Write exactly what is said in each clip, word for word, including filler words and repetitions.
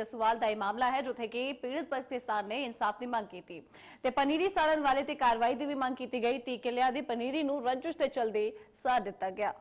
ਜਸਵਾਲ ਦਾ ਇਹ ਮਾਮਲਾ ਹੈ ਜਿੱਥੇ ਕਿ ਪੀੜਤ ਪਰਿਵਾਰ ਕਿਸਾਨ ਨੇ ਇਨਸਾਫ ਦੀ ਮੰਗ ਕੀਤੀ ਤੇ ਪਨੀਰੀ ਸਾੜਨ ਵਾਲੇ ਤੇ ਕਾਰਵਾਈ ਦੀ ਵੀ ਮੰਗ ਕੀਤੀ ਗਈ। ਤੀਹ ਕਿੱਲਿਆਂ ਦੀ ਪਨੀਰੀ ਨੂੰ ਰੰਜਿਸ਼ ਦੇ ਚਲਦੇ ਸਾੜ ਦਿੱਤਾ ਗਿਆ।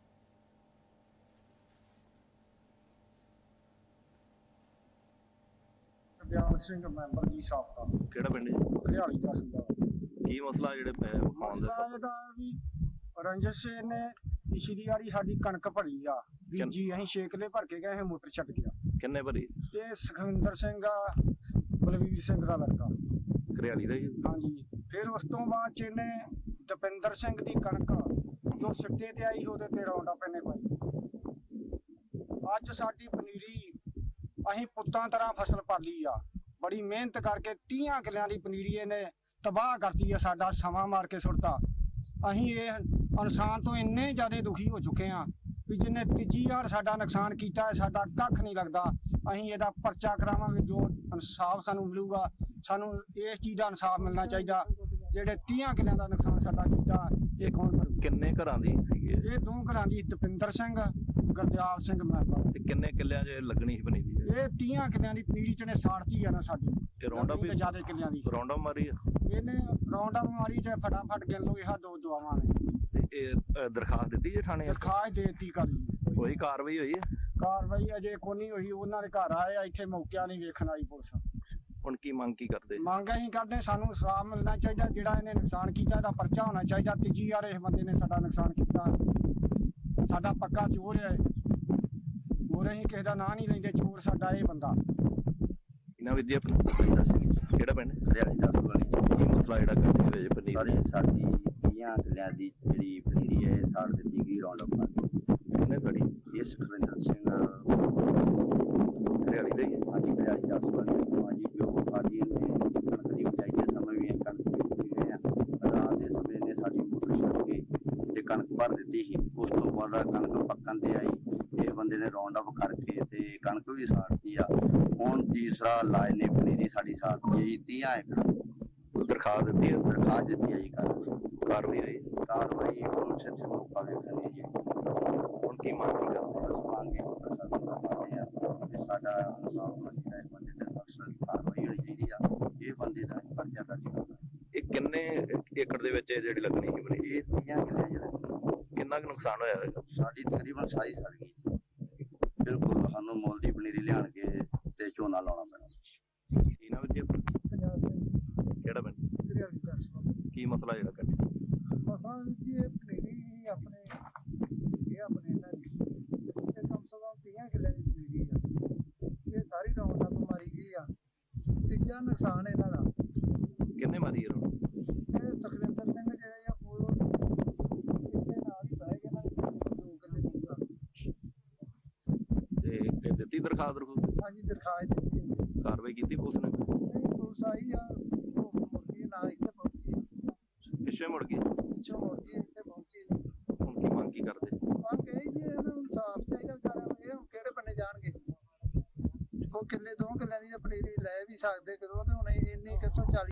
ਬਿਆਨ ਸਿੰਘ ਮੈਂਬਰ ਜੀ ਸਾਬਕਾ ਕਿਹੜਾ ਪਿੰਡ ਜੀ? ਹਰਿਆਲੀ ਦਾ ਸੂਬਾ। ਕੀ ਮਸਲਾ ਜਿਹੜੇ ਪੈ- ਪਾਉਣ ਦੇ ਮਸਲਾ ਇਹਦਾ ਵੀ ਰੰਜਿਸ਼ ਨੇ ਪਿਛਲੀ ਵਾਰੀ ਸਾਡੀ ਕਣਕ ਭਰੀ ਆ ਬੀਜੀ, ਅਸੀਂ ਛੇ ਕਿੱਲੇ ਭਰ ਕੇ ਗਏ, ਇਹ ਮੋਟਰ ਛੱਡ ਗਿਆ। ਕਿੰਨੇ ਭਰੀ? ਇਹ ਸੁਖਵਿੰਦਰ ਸਿੰਘ ਆ, ਬਲਵੀਰ ਸਿੰਘ ਦਾ ਲੜਕਾ। ਘਰਿਆਲੀ ਦਾ ਜੀ? ਹਾਂਜੀ। ਫਿਰ ਉਸ ਤੋਂ ਬਾਅਦ ਚ ਇਹਨੇ ਦਪਿੰਦਰ ਸਿੰਘ ਦੀ ਕਣਕ ਜੋ ਸਿੱਟੇ ਤੇ ਆਈ ਉਹਦੇ ਤੇ ਰੌਂਡਾ ਪੈਨੇ ਪਾਈ। ਅੱਜ ਸਾਡੀ ਪਨੀਰੀ ਅਸੀਂ ਪੁੱਤਾਂ ਤਰ੍ਹਾਂ ਫਸਲ ਪਾਲੀ ਆ, ਬੜੀ ਮਿਹਨਤ ਕਰਕੇ ਤੀਹ ਕਿੱਲਿਆਂ ਦੀ ਪਨੀਰੀ ਇਹਨੇ ਤਬਾਹ ਕਰਤੀ ਆ, ਸਾਡਾ ਸਮਾਂ ਮਾਰ ਕੇ ਸੁੱਟਤਾ। ਅਸੀਂ ਇਹ ਇਨਸਾਨ ਤੋਂ ਇੰਨੇ ਜ਼ਿਆਦਾ ਦੁਖੀ ਹੋ ਚੁੱਕੇ ਆ ਵੀ ਜਿਹਨੇ ਤੀਜੀ ਵਾਰ ਸਾਡਾ ਨੁਕਸਾਨ ਕੀਤਾ ਹੈ, ਸਾਡਾ ਕੱਖ ਨਹੀਂ ਲੱਗਦਾ। ਅਸੀਂ ਇਹਦਾ ਪਰਚਾ ਕਰਾਵਾਂਗੇ, ਜੋ ਇਨਸਾਫ ਸਾਨੂੰ ਮਿਲੂਗਾ। ਸਾਨੂੰ ਇਸ ਚੀਜ਼ ਦਾ ਇਨਸਾਫ ਮਿਲਣਾ ਚਾਹੀਦਾ। ਜਿਹੜੇ ਤੀਹ ਕਿੱਲਿਆਂ ਦਾ ਨੁਕਸਾਨ ਸਾਡਾ ਕੀਤਾ ਇਹ ਕੌਣ ਭਰੂ? ਕਿੰਨੇ ਘਰਾਂ ਦੀ ਸੀਗੇ ਇਹ ਦੋ ਘਰਾਂ ਦੀ, ਦਪਿੰਦਰ ਸਿੰਘ, ਗੁਰਦਿਆਲ ਸਿੰਘ ਮੈਂਬਰ। ਤੇ ਕਿੰਨੇ ਕਿੱਲਿਆਂ 'ਚ ਲੱਗਣੀ ਸੀ ਪਨੀਰੀ? ਇਹ ਤੀਹ ਕਿੱਲਿਆਂ ਦੀ ਪਨੀਰੀ ਚ ਨੇ ਸਾੜਤੀ ਆ ਨਾ ਸਾਡੀ। ਇਹ ਰੌਂਡਾ ਵੀ ਜ਼ਿਆਦਾ ਕਿੱਲਿਆਂ ਦੀ ਰੌਂਡਾ ਮਾਰੀ ਆ? ਇਹਨੇ ਰੌਂਡਾ ਮਾਰੀ ਚ ਫਟਾਫਟ ਗਿਣ ਲਓ, ਇਹ ਦੋ ਦੁਆਵਾਂ ਨੇ। ਤੇ ਇਹ ਅ, ਦਰਖਾਸਤ ਦਿੱਤੀ ਜੇ ਥਾਣੇ? ਦਰਖਾਸਤ ਦੇ ਦਿੱਤੀ ਕਾਲੀ। ਕੋਈ ਕਾਰਵਾਈ ਹੋਈ ਹੈ? ਕਾਰਵਾਈ ਅਜੇ ਕੋਈ ਨਹੀਂ ਹੋਈ। ਉਹਨਾਂ ਦੇ ਘਰ ਆਏ ਆ, ਇੱਥੇ ਮੌਕਿਆ ਨਹੀਂ ਵੇਖਣ ਆਈ ਪੁਲਿਸ। ਹੁਣ ਕੀ ਮੰਗ ਕੀ ਕਰਦੇ? ਮੰਗ ਅਸੀਂ ਕਰਦੇ ਸਾਨੂੰ ਇਨਸਾਫ ਮਿਲਣਾ ਚਾਹੀਦਾ। ਜਿਹੜਾ ਇਹਨੇ ਨੁਕਸਾਨ ਕੀਤਾ ਇਹਦਾ ਪਰਚਾ ਹੋਣਾ ਚਾਹੀਦਾ। ਤੀਜੀ ਵਾਰ ਇਸ ਬੰਦੇ ਨੇ ਸਾਡਾ ਨੁਕਸਾਨ ਕੀਤਾ, ਸਾਡਾ ਪੱਕਾ ਚੋਰ ਹੈ। ਹੋਰ ਅਸੀਂ ਕਿਸੇ ਦਾ ਨਾਂ ਨਹੀਂ ਲੈਂਦੇ, ਚੋਰ ਸਾਡਾ ਇਹ ਬੰਦਾ। ਇਹਨਾਂ ਵਿਦਿਆ ਆਪਣਾ ਕਿਹੜਾ ਪਿੰਡ? ਹਰਿਆਲੀ ਦਾ ਵਾਲੀ ਕੀ ਮਸਲਾ ਜਿਹੜਾ ਕਰਦੇ ਹੋਏ ਪਨੀਰੀ? ਸਾਰੀ ਸਾਡੀ ਤੀਆਂ ਕਿੱਲਿਆਂ ਦੀ ਜਿਹੜੀ ਪਨੀਰੀ ਹੈ ਸਾੜ ਦਿੱਤੀ ਗਈ ਰੌਂਡ ਅਪ। ਕਿੰਨੇ ਸੜੀ? ਇਹ ਸੁਖਵਿੰਦਰ ਸਿੰਘ ਘਰਿਆਲੀ ਦਾ ਹੀ ਹੈ? ਹਾਂਜੀ ਹਰਿਆਲੀ ਦਾ ਵਾਲੀ। ਹਾਂਜੀ, ਜੋ ਸਾਡੀ ਨੇ ਕਣਕ ਦੀ ਉਚਾਈ ਦੇ ਸਮੇਂ ਵੀ ਕਣਕ ਬੀਜੀ ਗਏ ਆ। ਰਾਤ ਦੇ ਸਮੇਂ ਨੇ ਸਾਡੀ ਮੋਟਰ ਛੱਡ ਕੇ ਤੇ ਕਣਕ ਭਰ ਦਿੱਤੀ ਸੀ। ਉਸ ਤੋਂ ਬਾਅਦ ਕਣਕ ਪੱਕਣ ਤੇ ਆਈ, ਇਹ ਬੰਦੇ ਨੇ ਰੌਂਡ ਅਪ ਕਰਕੇ ਤੇ ਕਣਕ ਵੀ ਸਾੜਤੀ ਆ। ਹੁਣ ਤੀਸਰਾ ਲਾਏ ਨੇ ਪਨੀਰੀ ਸਾਡੀ ਸਾੜਤੀ ਹੈ ਜੀ ਤੀਹ ਏਕੜ। ਦਰਖਾਸਤ ਦਿੱਤੀ ਹੈ? ਦਰਖਾਸਤ ਦਿੱਤੀ ਹੈ ਜੀ। ਕੱਲ੍ਹ ਕਾਰਵਾਈ ਹੋਈ? ਕਾਰਵਾਈ ਪੁਲਿਸ ਚ ਮੌਕਾ ਵੇਖਣੀ ਜੀ। ਹੁਣ ਕੀ ਮੰਗ ਕੀ ਕਰਦੇ? ਬਸ ਮੰਗੇ ਪ੍ਰਸ਼ਾਸਨ ਦਾ ਮੰਗਦੇ ਆ ਵੀ ਸਾਡਾ ਇਨਸਾਫ ਹੋਣਾ ਚਾਹੀਦਾ। ਇਸ ਬੰਦੇ ਤੇ ਸਖਤ ਕਾਰਵਾਈ ਹੋਣੀ ਚਾਹੀਦੀ ਆ। ਇਹ ਬੰਦੇ ਦਾ ਪਰਚਾ ਦਰਜ ਕਰਨਾ। ਇਹ ਕਿੰਨੇ ਏਕੜ ਦੇ ਵਿੱਚ ਇਹ ਜਿਹੜੀ ਲੱਗਣੀ ਸੀ ਪਨੀਰੀ? ਇਹ ਤੀਆਂ ਕਿੱਲੇ ਜਿਹੜੇ ਕਿੰਨਾ ਕੁ ਨੁਕਸਾਨ ਹੋਇਆ ਹੋਵੇਗਾ? ਸਾਡੀ ਤਕਰੀਬਨ ਸਾਰੀ ਸੜ ਗਈ। ਬਿਲਕੁਲ ਸਾਨੂੰ ਮੁੱਲ ਦੀ ਪਨੀਰੀ ਲਿਆਣ ਕੇ ਤੇ ਝੋਨਾ ਲਾਉਣਾ ਪੈਣਾ। ਇਹਨਾਂ ਵਿਦਿਆ ਪੰਜਾਬ ਸਿੰਘ ਕਿਹੜਾ ਪਿੰਡ? ਹਰਿਆਲੀ ਦਾ ਸੂਬਾ। ਕੀ ਮਸਲਾ ਜਿਹੜਾ ਕਰਦੇ? ਮਸਾਂ ਜੀ ਇਹ ਪਨੀਰੀ ਆਪਣੇ ਇਹ ਆਪਣੇ ਇਹਨਾਂ ਦੀ ਇਹ ਕਮ ਸੇ ਕਮ ਤੀਹ ਕਿੱਲਿਆਂ ਦੀ ਪਨੀਰੀ ਆ। ਇਹ ਸਾਰੀ ਰੌਂਡਾ ਤੋਂ ਮਾਰੀ ਗਈ ਆ। ਤੀਜਾ ਨੁਕਸਾਨ ਇਹਨਾਂ ਦਾ। ਕਿੰਨੇ ਮਾਰੀ ਇਹ ਰੋਣ? ਇਹ ਸੁਖਵਿੰਦਰ ਸਿੰਘ ਜਿਹੜੇ ਆ ਉਹ ਇੱਥੇ ਨਾਲ ਹੀ ਬਹਿ ਗਏ ਨਾ, ਦੋ ਕਿੱਲੇ ਦੀ ਨੁਕਸਾਨ। ਤੇ ਇਹ ਦਿੱਤੀ ਦਰਖਾਸਤ ਰਖੂ? ਹਾਂਜੀ, ਦਰਖਾਸਤ ਦਿੱਤੀ ਹੈ। ਕਾਰਵਾਈ ਕੀਤੀ ਪੁਲਿਸ ਨੇ? ਨਹੀਂ, ਪੁਲਿਸ ਆਈ ਆ, ਉਹ ਮੁੜ ਗਈ ਨਾ, ਇੱਥੇ ਪਹੁੰਚੀ ਆ। ਪਿੱਛੇ ਮੁੜ ਗਈ? ਪਿੱਛੋਂ ਮੁੜ ਗਈ, ਇੱਥੇ ਪਹੁੰਚੀ ਨਹੀਂ। ਹੁਣ ਕੀ ਮੰਗ ਕੀ ਕਰਦੇ? ਮੰਗ ਇਹ ਜੀ ਇਹਨਾਂ ਨੂੰ ਇਨਸਾਫ ਚਾਹੀਦਾ ਵਿਚਾਰਿਆਂ ਨੂੰ। ਇਹ ਹੁਣ ਕਿਹੜੇ ਬੰਨੇ ਜਾਣਗੇ? ਉਹ ਕਿੱਲੇ ਦੋ ਕਿੱਲਿਆਂ ਦੀ ਤਾਂ ਪਨੀਰੀ ਲੈ ਵੀ ਸਕਦੇ ਕਿਦੋਂ, ਤੇ ਹੁਣ ਇੰਨੀ ਕਿੱਥੋਂ ਚਾਲੀ